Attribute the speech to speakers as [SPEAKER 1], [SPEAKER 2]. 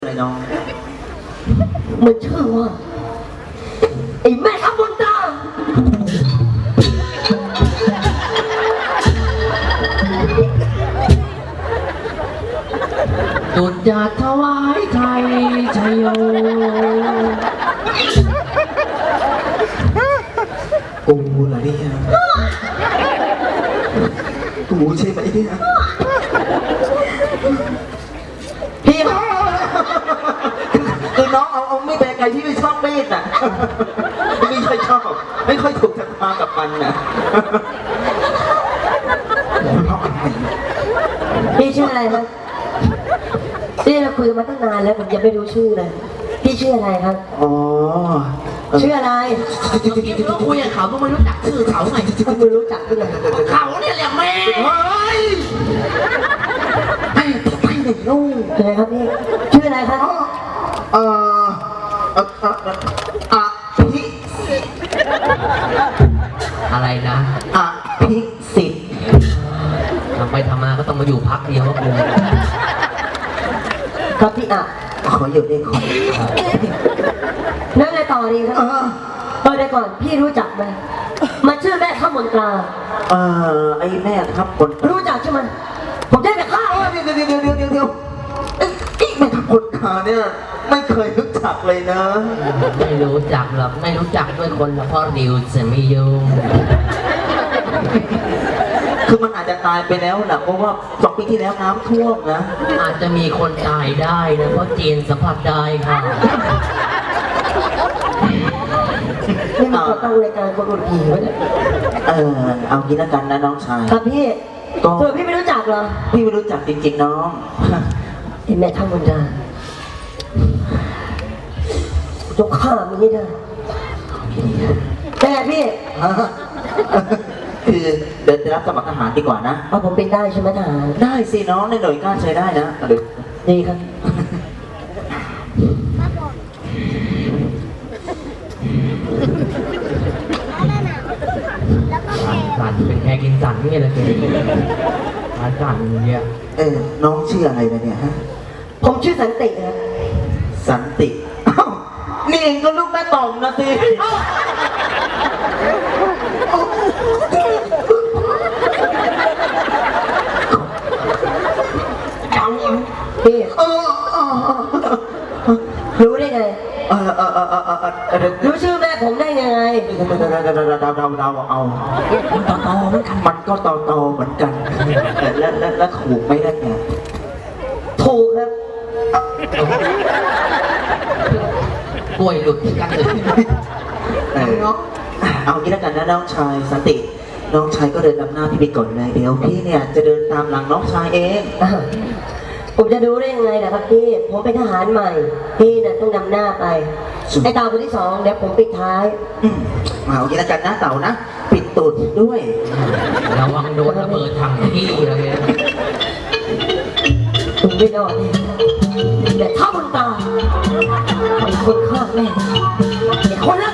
[SPEAKER 1] อะไรน้อง
[SPEAKER 2] มันชื่อว่าไอ้แม่ทัพบนตา
[SPEAKER 3] จุดยาถวายไทยชัยโย
[SPEAKER 1] กูเหรอเนี่ยกูใช่ไหมเนี่ยพี่คือน้องเอาไม่แบกไก่ที่ไม่ชอบมีดอ่ะไม่ค่อยชอบไม่ค่อยถูกชะตากับมันนะ
[SPEAKER 2] พี่ชื่ออะไรครับพี่เราคุยมาตั้งนานแล้วผมยังไม่รู้ชื่อเลยพี่ชื่ออะไรครับ
[SPEAKER 1] อ๋อ
[SPEAKER 2] ชื่ออะไร
[SPEAKER 3] ก็คุยกับเขาต้องไม่รู้จักชื่อเขาไง
[SPEAKER 2] คุณไม่รู้จักด้วย
[SPEAKER 3] เขาเนี่ยแหละแม่
[SPEAKER 2] ไปเด็กลูกอะไรครับพี่ชื่ออะไรครับ
[SPEAKER 1] พิ
[SPEAKER 3] อะไรนะ
[SPEAKER 1] พิสิทธิ์
[SPEAKER 3] ทำไปทำมาก็ต้องมาอยู่พักเดียวก็กู
[SPEAKER 2] ครับพี่
[SPEAKER 1] ขออยู่ได้ขอ
[SPEAKER 2] นั่นเลยต่อดีครับเดี๋ยวก่อนพี่รู้จักไหมมันชื่อแม่ทัพมนตรา
[SPEAKER 1] ไอ้แม่ทัพบน
[SPEAKER 2] รู้จักใช่ไหมผมได้ไปฆ่า
[SPEAKER 1] เดี๋ยวไอ้แม่ทัพบนตราเนี่ยไม่เคยรู้จักเลยนะ
[SPEAKER 3] ไม่รู้จักหรอกไม่รู้จักด้วยคนเพราะดิวจะไม่ยุ่ง
[SPEAKER 1] คือมันอาจจะตายไปแล้วนะเพราะว่า2 ปีที่แล้วน้ำท่วมนะ
[SPEAKER 3] อาจจะมีคนตายได้นะเพราะจีนสัมผัสได้ค่ะ
[SPEAKER 2] นี่มันตั้งรายการคนอุดผีไว้เนี่ย
[SPEAKER 1] เอางี้แล้วกันนะน้องชาย
[SPEAKER 2] ครับพี่พี่ไม่รู้จักเหรอ
[SPEAKER 1] พี่ไม่รู้จักจริงๆน้อง
[SPEAKER 2] เห็นแม่ทัพมนตราจงฆ่ามันให้ได้แต่พี่
[SPEAKER 1] คือเดินไปรับสมัครทหารดีกว่านะ
[SPEAKER 2] ผมเป็นได้ใช่ไหมทหาร
[SPEAKER 1] ได้สิน้องในหน่วยก้านใช้ได้นะ
[SPEAKER 2] ดีครับ
[SPEAKER 3] สันเป็นแค่กินสันนี่แหละคือสันเนี่ย
[SPEAKER 1] น้องชื่ออะไรนะเนี่ยฮะ
[SPEAKER 2] ผมชื่อสันติครับ
[SPEAKER 1] สันตินี่เองก็ลูกแม่ต่อมนะสิ
[SPEAKER 2] พี่รู้ได้ไงรู้ชื่อแม่ผมได้ยังไง
[SPEAKER 1] เราเอามันก็ต่อเหมือนกันแล้วถูกไหมล่ะเนี่ย
[SPEAKER 2] ถูกครับ
[SPEAKER 3] กล้วยหลุดกันเลย
[SPEAKER 1] เอางี้แล้วกันนะน้องชายสันติน้องชายก็เดินนำหน้าพี่ไปก่อนเลยเดี๋ยวพี่เนี่ยจะเดินตามหลังน้องชายเอง
[SPEAKER 2] ผมจะดูได้ยังไงนะครับพี่ผมเป็นทหารใหม่พี่น่ะต้องนำหน้าไปไอ้เต่าคนที่2เดี๋ยวผมปิดท้าย
[SPEAKER 1] เอางี้แล้วกันนะเต่านะปิดตูดด้วย
[SPEAKER 3] ระวังโดนระเบิดถังที่อะไรเงี้ย
[SPEAKER 2] คุณไม่รอดแต่ถ้าบนตาไอ้คนฆ่าแม่ไอ้คน